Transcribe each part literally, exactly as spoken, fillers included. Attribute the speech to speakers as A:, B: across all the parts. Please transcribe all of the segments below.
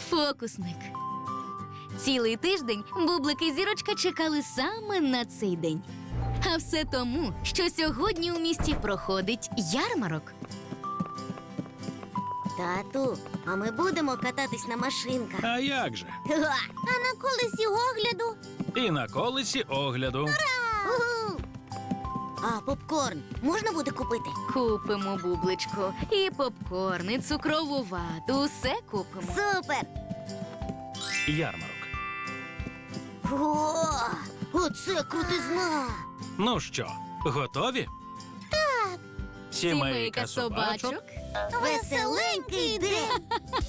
A: Фокусник. Цілий тиждень Бублик і Зірочка чекали саме на цей день. А все тому, що сьогодні у місті проходить ярмарок.
B: Тату, а ми будемо кататись на машинках.
C: А як же?
B: А на колесі огляду?
C: І на колесі огляду.
B: Угу. А попкорн можна буде купити?
A: Купимо, Бубличко, і попкорн, і цукрову вату, усе купимо.
B: Супер!
C: Ярмарок.
B: О, оце крутизна!
C: Ну що, готові? Так. Сімейка собачок.
B: Веселенький день!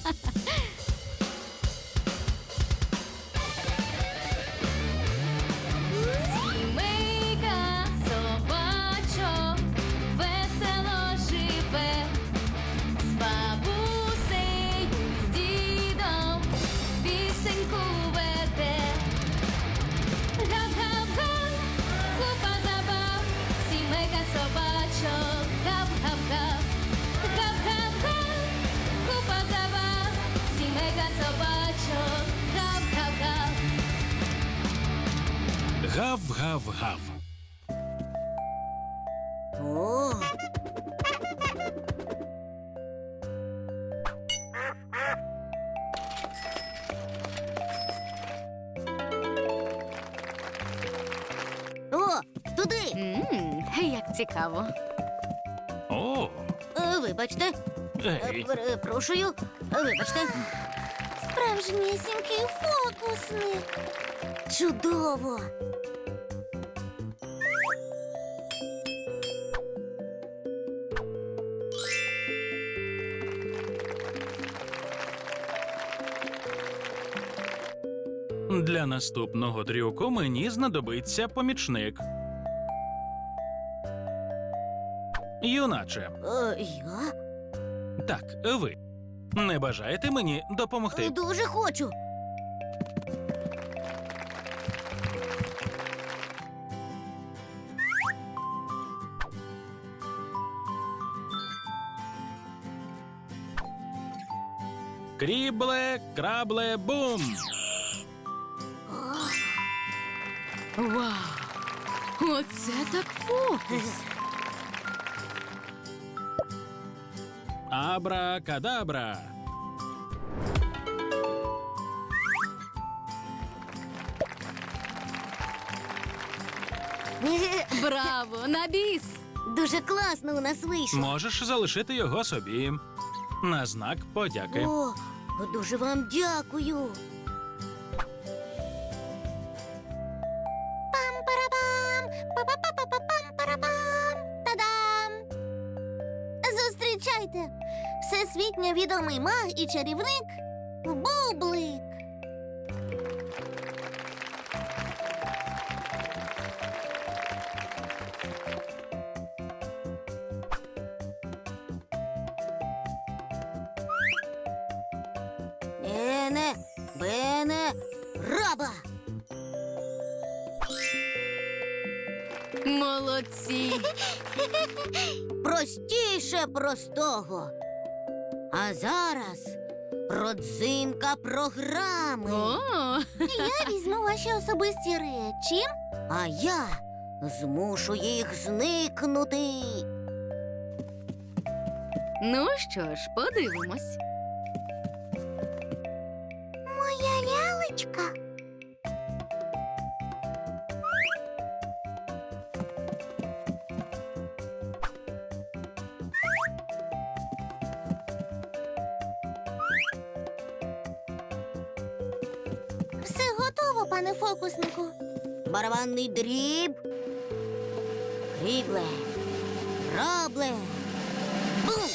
A: Сімейка собачок весело живе, з бабусею, з дідом пісеньку веде. Гап-гап-га, купа забав, сімейка собачок, гап-гап-га. Гап-гап-га, купа забав, сімейка собачок, гап-гап-га.
C: Гав-гав-гав.
B: О! О, туди!
A: Ммм, як цікаво.
C: О,
B: Е, Вибачте, Е,
C: ей.
B: перепрошую, вибачте. Справжнісінький фокусник. Чудово!
C: Для наступного трюку мені знадобиться помічник. Юначе,
B: Е, я?
C: так, ви. Не бажаєте мені допомогти?
B: Дуже хочу.
C: Крібле, крабле, бум!
A: Вау! Оце так фокус!
C: Абра-кадабра!
A: Браво! На біс!
B: Дуже класно у нас вийшло.
C: Можеш залишити його собі. На знак подяки.
B: О, дуже вам дякую. Пам-парабам! Па-па-па-па-пам-парабам! Та-дам! Зустрічайте! Всесвітньо відомий маг і чарівник Бублик. Ене, бене, раба!
A: Молодці!
B: Простіше простого. А зараз родзинка програми.
A: О!
B: Я візьму ваші особисті речі, а я змушу їх зникнути.
A: Ну що ж, подивимось.
B: Моя лялечка. Все готово, пане фокуснику. Барабанний дріб. Крібле. Рабле. Бум!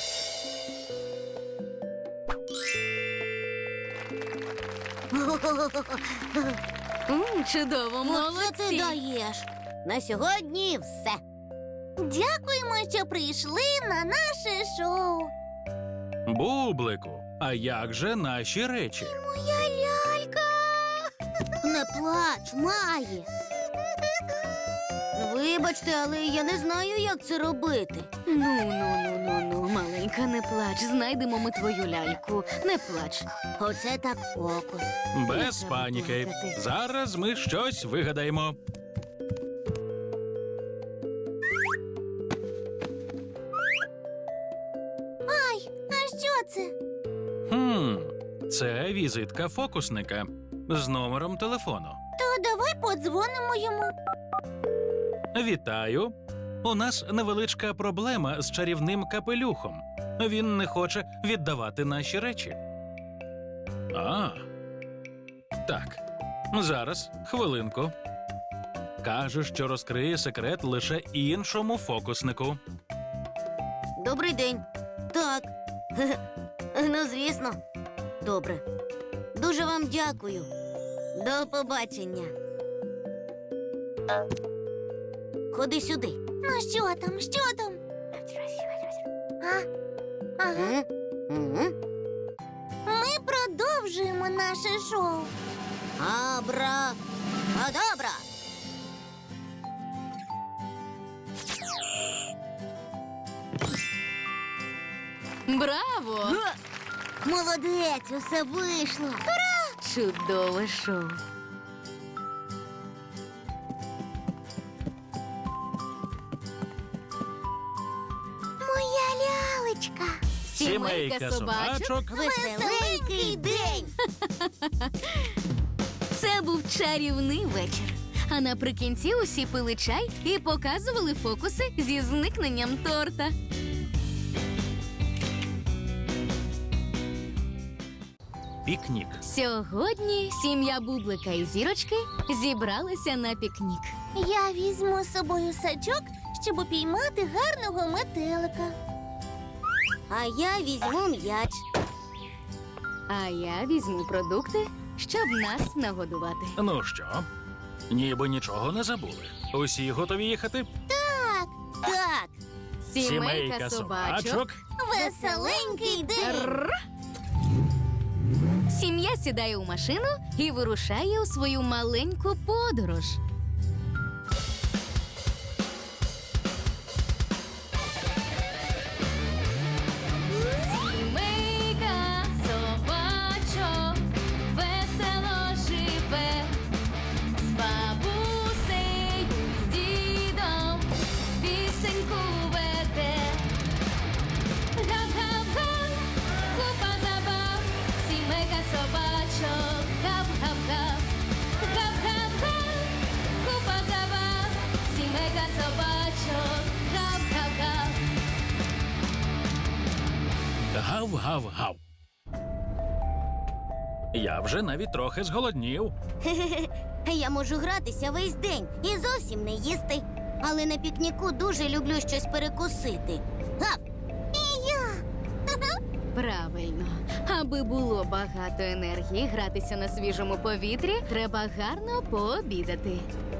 A: М, чудово,
B: Оце ти
A: молодці!
B: даєш. На сьогодні все. Дякуємо, що прийшли на наше шоу.
C: Бублику, а як же наші речі?
B: Моя лялька. Не плач, Маї. Вибачте, але я не знаю, як це робити.
A: Ну, ну, ну, ну, ну, маленька, не плач. Знайдемо ми твою ляльку. Не плач.
B: Оце так фокус.
C: Без
A: треба
C: паніки.
A: плакати.
C: Зараз ми щось вигадаємо.
B: Ай, а що це?
C: Хм, це візитка фокусника з номером телефону.
B: То давай подзвонимо йому.
C: Вітаю. У нас невеличка проблема з чарівним капелюхом. Він не хоче віддавати наші речі. А. Так. Зараз, хвилинку. Каже, що розкриє секрет лише іншому фокуснику.
B: Добрий день. Так. Ну, звісно. Добре. Дуже вам дякую. До побачення. Ходи сюди. Ну, що там? Що там? А? Ага. Ми продовжуємо наше шоу. Абра. Адабра.
A: Браво!
B: Молодець, усе вийшло.
A: Чудове шоу.
B: Моя лялечка.
A: Сімейка собачок.
B: Веселенький день.
A: Це був чарівний вечір. А наприкінці усі пили чай і показували фокуси зі зникненням торта.
C: Пікнік.
A: Сьогодні сім'я Бублика і Зірочки зібралися на пікнік.
B: Я візьму з собою сачок, щоб упіймати гарного метелика. А я візьму м'яч.
A: А я візьму продукти, щоб нас нагодувати.
C: Ну що? Ніби нічого не забули. Усі готові їхати?
B: Так, так.
A: Сімейка собачок.
B: Веселенький день.
A: Рр. Сім'я сідає у машину і вирушає у свою маленьку подорож. Сімейка собачок весело живе, з бабусею, з дідом пісеньку веде. Гав-гав-га, купа забав, сімейка собачок, гав-гав-гав. Гав-гав-га, купа забав, сімейка собачок, гав-гав-гав.
C: Гав-гав-гав. Я вже навіть трохи зголоднів.
B: Я можу гратися весь день і зовсім не їсти. Але на пікніку дуже люблю щось перекусити. Гав! І я!
A: Правильно. Аби було багато енергії гратися на свіжому повітрі, треба гарно пообідати.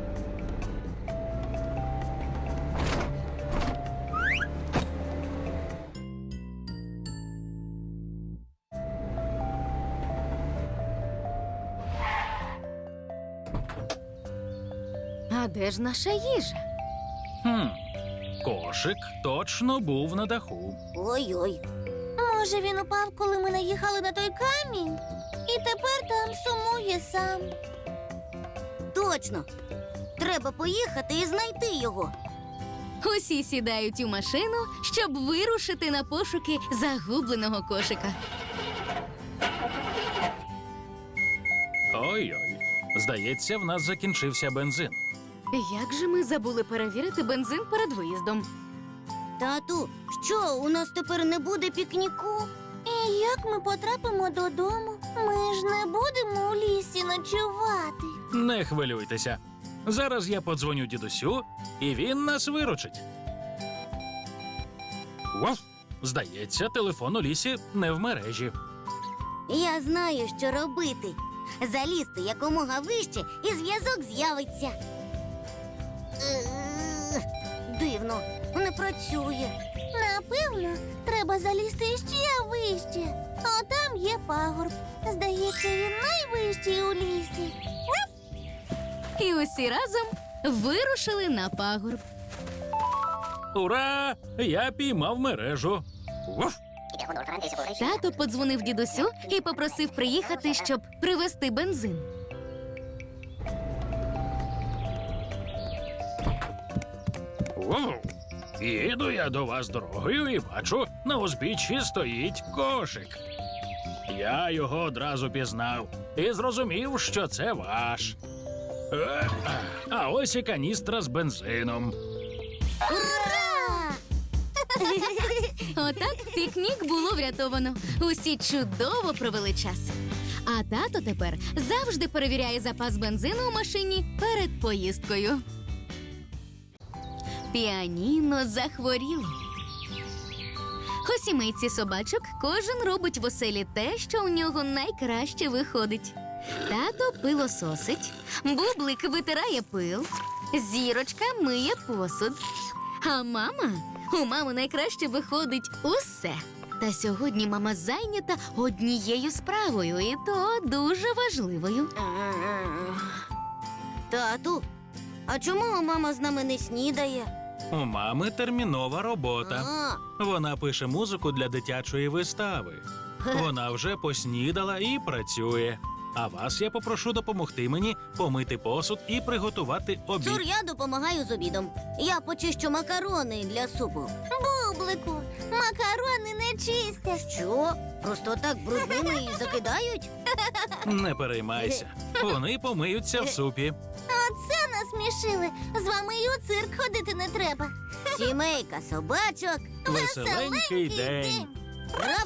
A: А де ж наша їжа?
C: Хм. Кошик точно був на даху.
B: Ой-ой. Може, він упав, коли ми наїхали на той камінь? І тепер там сумує сам. Точно. Треба поїхати і знайти його.
A: Усі сідають у машину, щоб вирушити на пошуки загубленого кошика.
C: Ой-ой. Здається, в нас закінчився бензин.
A: Як же ми забули перевірити бензин перед виїздом?
B: Тату, що, у нас тепер не буде пікніку? І як ми потрапимо додому? Ми ж не будемо у лісі ночувати.
C: Не хвилюйтеся. Зараз я подзвоню дідусю, і він нас виручить. Вов, здається, телефон у лісі не в мережі.
B: Я знаю, що робити. Залізти якомога вище, і зв'язок з'явиться. Е, Дивно, не працює. Напевно, треба залізти ще вище. А там є пагорб. Здається, він найвищий у лісі.
A: І усі разом вирушили на пагорб.
C: Ура! Я піймав мережу. Уф!
A: Тато подзвонив дідусю і попросив приїхати, щоб привезти бензин.
C: Воу! Їду я до вас дорогою і бачу, на узбіччі стоїть кошик. Я його одразу пізнав і зрозумів, що це ваш. Е, А ось і каністра з бензином.
B: Ура!
A: Отак пікнік було врятовано. Усі чудово провели час. А тато тепер завжди перевіряє запас бензину у машині перед поїздкою. Піаніно захворіло. У сімейці собачок кожен робить в оселі те, що у нього найкраще виходить. Тато пилососить, Бублик витирає пил, Зірочка миє посуд. А мама? У мами найкраще виходить усе. Та сьогодні мама зайнята однією справою, і то дуже важливою.
B: Тату, а чому мама з нами не снідає?
C: У мами термінова робота.
B: А,
C: Вона пише музику для дитячої вистави. Вона вже поснідала і працює. А вас я попрошу допомогти мені помити посуд і приготувати обід.
B: Цур, я допомагаю з обідом. Я почищу макарони для супу. Бублику, макарони не чистять. Що? Просто так брудними і закидають?
C: Не переймайся. Вони помиються в супі.
B: Оце насмішили. З вами і у цирк ходити не треба. Сімейка собачок.
C: Веселенький день.
B: Раф!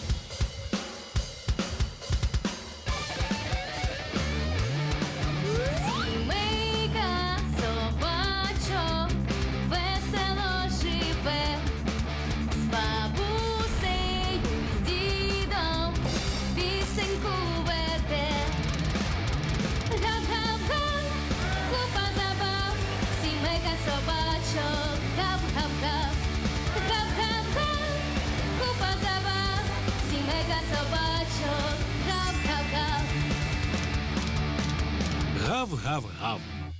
A: Сімейка собачок весело живе, з бабусею, з дідом пісеньку веде. Гап-гап-га, купа забав, сімейка собачок, гап-гап-га. Гап-гап-га, купа забав, сімейка собачок, гап-гап-га.
C: Гав-гав-гав.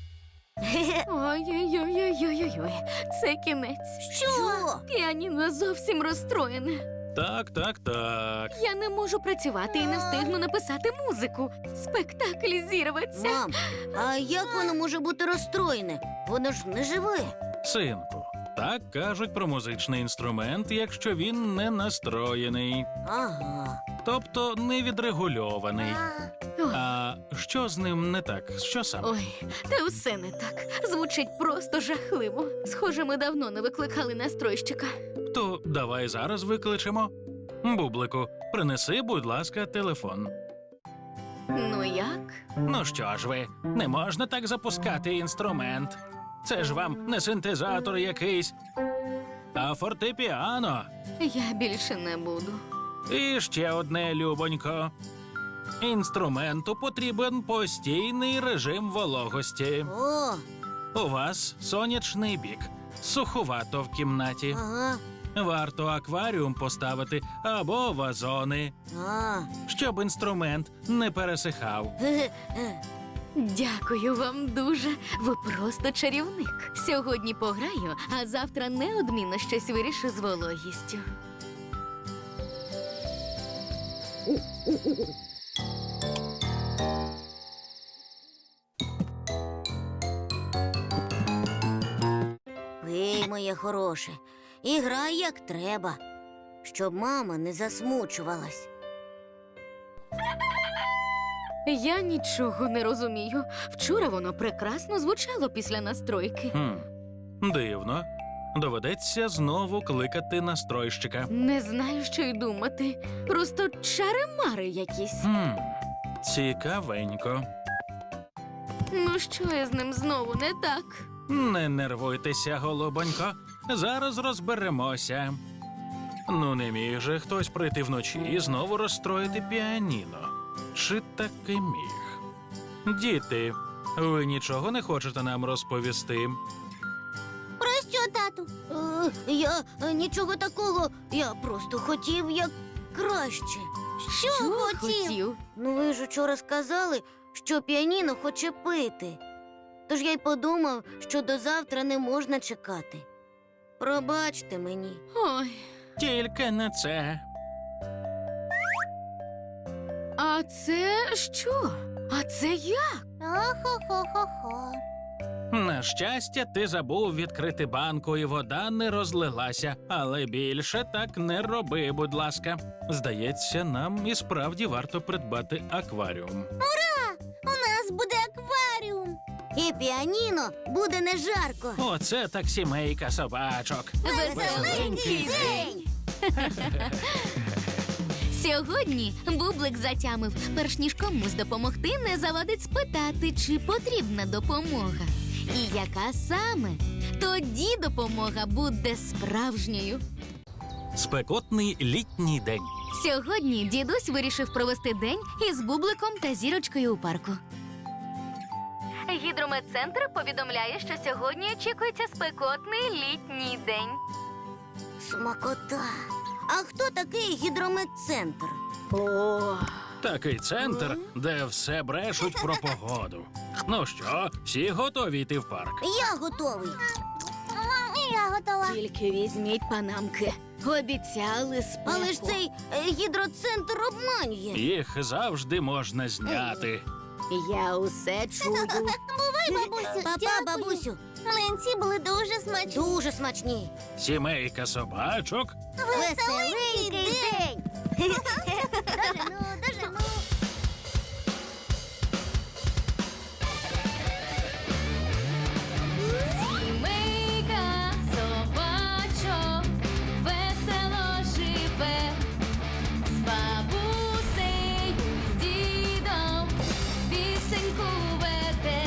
A: Ой-ой-ой-ой-ой-ой, це кінець.
B: Що?
A: Піаніно зовсім розстроєне.
C: Так, так, так.
A: Я не можу працювати і не встигну написати музику. Спектакль зірветься.
B: Мам, а як воно може бути розстроєне? Воно ж не живе.
C: Синку, так кажуть про музичний інструмент, якщо він не настроєний,
B: Ага.
C: тобто не відрегульований.
A: Ой,
C: А що з ним не так? Що саме?
A: ой, та все не так. Звучить просто жахливо. Схоже, ми давно не викликали настройщика.
C: То давай зараз викличемо. Бублику, принеси, будь ласка, телефон.
A: Ну як?
C: Ну що ж ви, не можна так запускати інструмент. Це ж вам не синтезатор якийсь, а фортепіано.
A: Я більше не буду.
C: І ще одне, любонько. Інструменту потрібен постійний режим вологості.
B: О,
C: У вас сонячний бік, суховато в кімнаті.
B: ага.
C: Варто акваріум поставити або вазони,
B: А.
C: щоб інструмент не пересихав.
B: Ге-ге.
A: Дякую вам дуже. Ви просто чарівник. Сьогодні пограю, а завтра неодмінно щось вирішу з вологістю.
B: Пий, моє хороше, і грай як треба, щоб мама не засмучувалась.
A: Я нічого не розумію. Вчора воно прекрасно звучало після настройки.
C: Хм, дивно. Доведеться знову кликати настройщика.
A: Не знаю, що й думати. Просто чари-мари якісь.
C: Хм, цікавенько.
A: Ну що я з ним знову не так?
C: Не нервуйтеся, голубонько. Зараз розберемося. Ну, не міг же хтось прийти вночі і знову розстроїти піаніно. Чи таки міг? Діти, ви нічого не хочете нам розповісти?
B: Про що, тату? Е, я е, нічого такого. Я просто хотів як краще. Що, хотів? Ну, ви ж учора сказали, що піаніно хоче пити. Тож я й подумав, що до завтра не можна чекати. Пробачте мені.
A: Ой,
C: Тільки не це.
A: а це що? А це як?
B: Охо-хо-хо-хо.
C: На щастя, ти забув відкрити банку, і вода не розлилася. Але більше так не роби, будь ласка. Здається, нам і справді варто придбати акваріум.
B: У нас буде акваріум. І піаніно буде не жарко.
C: Оце так сімейка собачок.
A: Веселенький день! Сьогодні Бублик затямив, перш ніж комусь допомогти, не завадить спитати, чи потрібна допомога. І яка саме? Тоді допомога буде справжньою.
C: Спекотний літній день.
A: Сьогодні дідусь вирішив провести день із Бубликом та Зірочкою у парку. Гідрометцентр повідомляє, що сьогодні очікується спекотний літній день.
B: Смакота. А хто такий гідрометцентр?
A: О,
C: Такий центр, де все брешуть про погоду. Ну що, всі готові йти в парк?
B: Я готовий. Я готова.
A: тільки візьміть панамки. Обіцяли спеку.
B: Але ж цей е, гідроцентр обманює.
C: Їх завжди можна зняти.
A: Я усе чую.
B: Бувай, бабусю. Папа, бабусю. Млинці були дуже смачні. Дуже смачні.
C: Сімейка собачок.
B: Веселенький день. Дожену, дожену.
A: Сімейка собачок весело живе, з бабусею, з дідом пісеньку веде.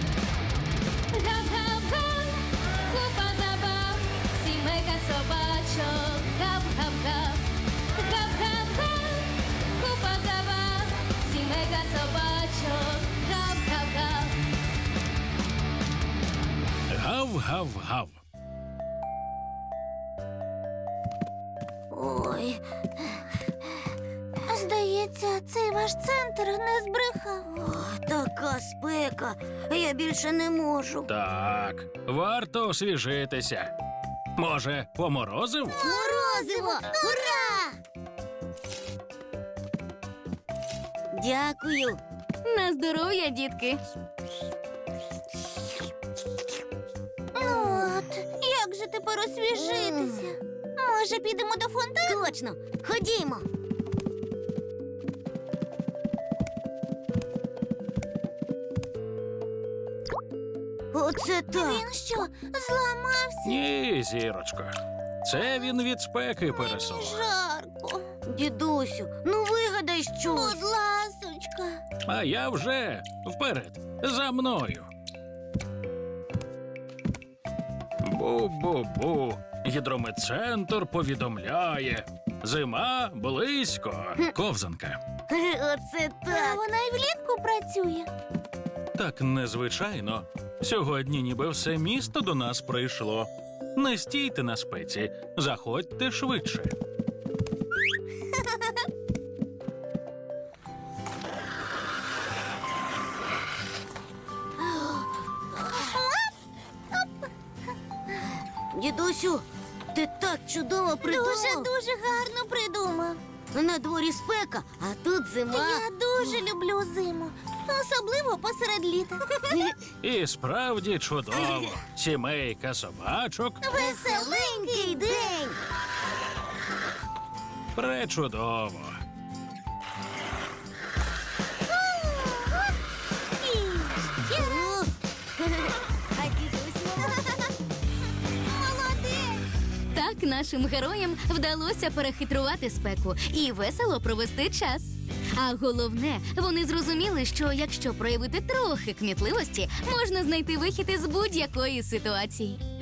A: Гав-гав-га, купа забав, сімейка собачок, гав-гав-гав. Гав-гав-га, купа забав, сімейка собачок, гав-гав-гав.
C: Гав-гав-гав.
B: Ой. Здається, цей ваш центр не збрехав. О, така спека. Я більше не можу.
C: Так, варто освіжитися. Може, поморозив?
B: Морозиво! Ура! Дякую.
A: На здоров'я, дітки.
B: Ну от, як же тепер освіжитися? Може, підемо до фонтану? Точно, ходімо. Оце так. Він що, зламався?
C: Ні, зірочко. Це він від спеки пересох.
B: Жарко. Дідусю, ну вигадай щось. Будь ласочка.
C: А я вже вперед, за мною. Бу-бу-бу. Гідрометцентр повідомляє. Зима близько. Ковзанка.
B: Оце так. Вона і влітку працює.
C: Так незвичайно. Сьогодні ніби все місто до нас прийшло. Не стійте на спеці, заходьте швидше.
B: Дідусю, ти так чудово придумав. Дуже-дуже гарно придумав. На дворі спека, а тут зима. Я дуже люблю зиму, особливо посеред літа.
C: І справді чудово. Сімейка собачок
B: Веселенький день.
C: пречудово.
B: А дідусь молодець.
A: Так нашим героям вдалося перехитрувати спеку і весело провести час. А головне, вони зрозуміли, що якщо проявити трохи кмітливості, можна знайти вихід із будь-якої ситуації.